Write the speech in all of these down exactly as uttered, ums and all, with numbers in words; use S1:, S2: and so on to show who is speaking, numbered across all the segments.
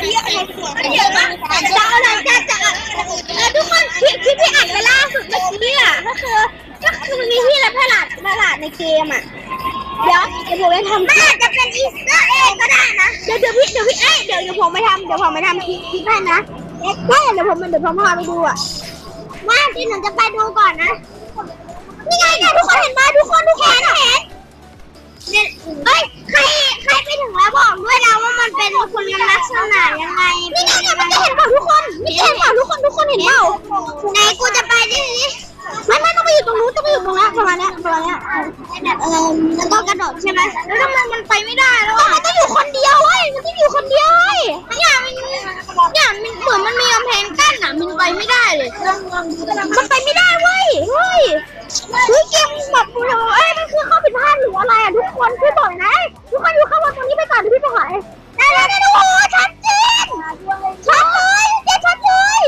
S1: เยอะเลยเยอะมากจะเอาหลังจากจะเออทุกคนคลิปที่พี่อัดไปล่าสุดเมื่อกี้อ่ะก็คือก็คือมันมีที่รับตลาดตลาดในเกมอ่ะเดี๋ยวเดี๋ยวผมไปทำมันอาจจะเป็นอีสเตอร์เอ็กก็ได้นะเดี๋ยวเดี๋ยวพี่เดี๋ยวพี่เอ้ยเดี๋ยวเดี๋ยวผมไปทำเดี๋ยวผมไปทำคลิปคลิปให้นะเอ๊ะเดี๋ยวผมเดี๋ยวผมพาไปดูอ่ะว่าที่หนูจะไปดูก่อนนะนี่ไงเนี่ยทุกคนเห็นไหมทุกคนทุกคนเห็นเนี่ยเฮ้ยใครใครไปถึงแล้วบอกด้วยนะว่ามันเป็นคุณลักษณะยังไงนี่ไงเนี่ยมันจะเห็นเปล่าทุกคนนี่เห็นเปล่าทุกคนทุกคนเห็นเปล่าไหนกูจะไปดิไม่ไม่ต้องไปอยู่ตรงนู้นต้องไปอยู่ตรงนั้นประมาณเนี้ยประมาณเนี้ยเออแล้วก็กระโดดใช่ไหมแล้วทำไมมันไปไม่ได้แล้วมันต้องอยู่คนเดียวเว้ยมันต้องอยู่คนเดียวเว้ยเนี่ยมันเนี่ยมันเหมือนมันมีกำแพงกั้นอ่ะมันไปไม่ได้เลยมันไปไม่ได้เว้ยเฮ้ยเฮ้ยเกมแบบเอ้ยมันคือข้อผิดพลาดหรืออะไรอ่ะทุกคนช่วยบอกนะทุกคนอยู่ข้างบนตรงนี้ไปก่อนเดี๋ยวพี่ไปหาได้ได้ได้โอ้ชัดเจนชัดเลยเจ๊ชัดเลย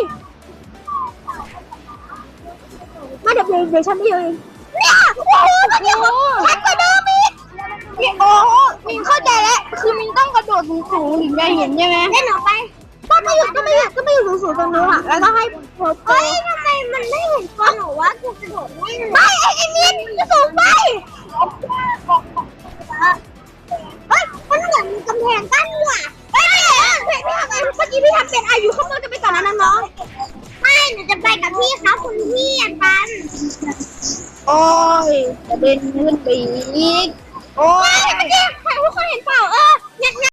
S1: มาเดี๋ยวเดี๋ยวฉันไปเลยเนี่ยโอ้โหมันยังชัดกว่าเดิมอีกโอ้โหมินเข้าใจแล้วคือมินต้องกระโดดสูงๆถึงจะเห็นใช่ไหมเล่นออกไปก็ไม่อยู่ก็ไม่อยู่ก็ไม่อยู่สูงๆตรงนู้นอ่ะแล้วก็ให้โพสเฮ้ยทำไมมันไม่เห็นตัวหนูวะกูกระโดดไม่ไม่ไอ้ไอ้มินจะสูงไปเฮ้ยมันเหมือนมีกำแพงกั้นว่ะเฮ้ยพี่พี่ทำไงเมื่อกี้พี่ทำเป็นอายุข้างบนจะไปก่อนนะน้องไม่หนูจะไปกับพี่เขาคุณพี่อ่ะปันโอ้ยจะเดินขึ้นไปอีกโอ้ยเมื่อกี้ทุกคนเห็นเปล่าเออเนี่ย